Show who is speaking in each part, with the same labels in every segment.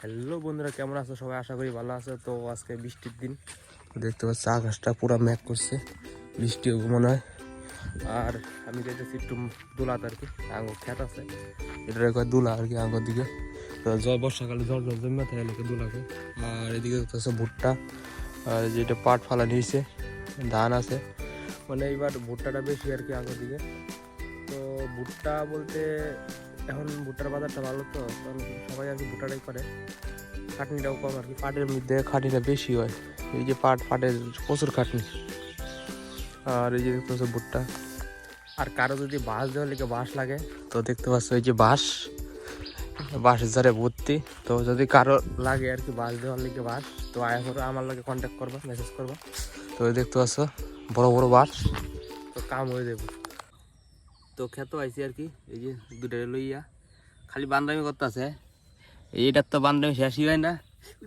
Speaker 1: Hello বন্ধুরা, কেমন আছো সবাই? আশা করি ভালো আছো। তো আজকে বৃষ্টির দিন, দেখতে পাচ্ছি আকাশটা পুরো মেঘ করছে, বৃষ্টি হবে মনে হয়। আর আমি যেতেছি একটু দোলাতে আর কি, আঙ্গুর খেত আছে, এটার একবার দোলা আর কি আঙ্গুর দিকে। তো বর্ষাকালে ঝড় জমে থাকে লোকে দোলাকে। আর এদিকে দেখতেছে ভুট্টা, আর যেটা পাট ফালা নিয়েছে, ধান আছে, মানে এইবার ভুট্টাটা বেশি আর কি আঙ্গুর দিকে। তো ভুট্টা বলতে এখন ভুট্টার বাজারটা ভালো, তো কারণ সবাই আর কি ভুট্টাটাই করে, খাটনিটাও কম আর কি। পাটের মধ্যে খাটনিটা বেশি হয়, এই যে পাটের প্রচুর খাটনি। আর এই যে দেখতে পাচ্ছ ভুট্টা। আর কারো যদি বাঁশ দেওয়ার লিগে বাঁশ লাগে, তো দেখতে পাচ্ছ এই যে বাঁশের ধারে ভর্তি। তো যদি কারো লাগে আর কি বাঁশ দেওয়ার লিগে বাঁশ, তো আয়া করে আমার লাগে কন্ট্যাক্ট করবা, মেসেজ করবা। তো দেখতে পাচ্ছ বড় বড় বাঁশ, তো কাম হয়ে যাবে। তো খেতে আইছি আর কি, এই যে দুটো লইয়া খালি বান্দামি করতে আছে। এইটার তো বান্দামি শেষই হয় না।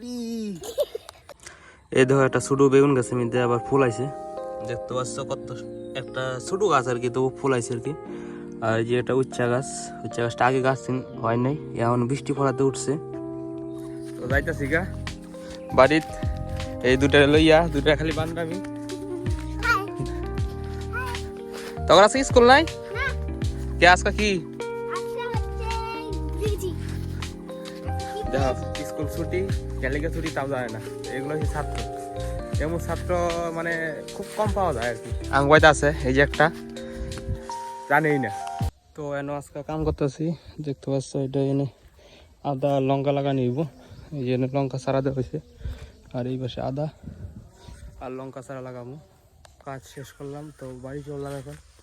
Speaker 1: এই দেখো একটা ছোট বেগুন গাছের মধ্যে আবার ফুল আইছে, দেখতে পাচ্ছ কত একটা ছোট গাছ আর কি, তবু ফুল আইছে আর কি। আর এই যে এটা উচ্চা গাছটা আগে গাছ হয় নাই, এখন বৃষ্টি পড়াতে উঠছে। তো যাইতাছি গা বাড়িত, এই দুটা লইয়া দুটা খালি বান্দামি। তখন আজকে স্কুল নাই কে? আজকে কি স্কুল ছুটি, ক্যালিকে ছুটি তাও যায় না। এগুলো হচ্ছে ছাত্র, এমন ছাত্র মানে খুব কম পাওয়া যায় আর কি। আঙ্গুয়াইতে আছে এই যে একটা, জানেই না। তো এনে আজকে কাম করতেছি, দেখতে পাচ্ছ এটা এনে আদা লঙ্কা লাগা নিব। এই যে লঙ্কা চারা দেওয়া হয়েছে, আর এই পাশে আদা আর লঙ্কা চারা লাগাবো। কাজ শেষ করলাম, তো বাড়ি চললাম এখন।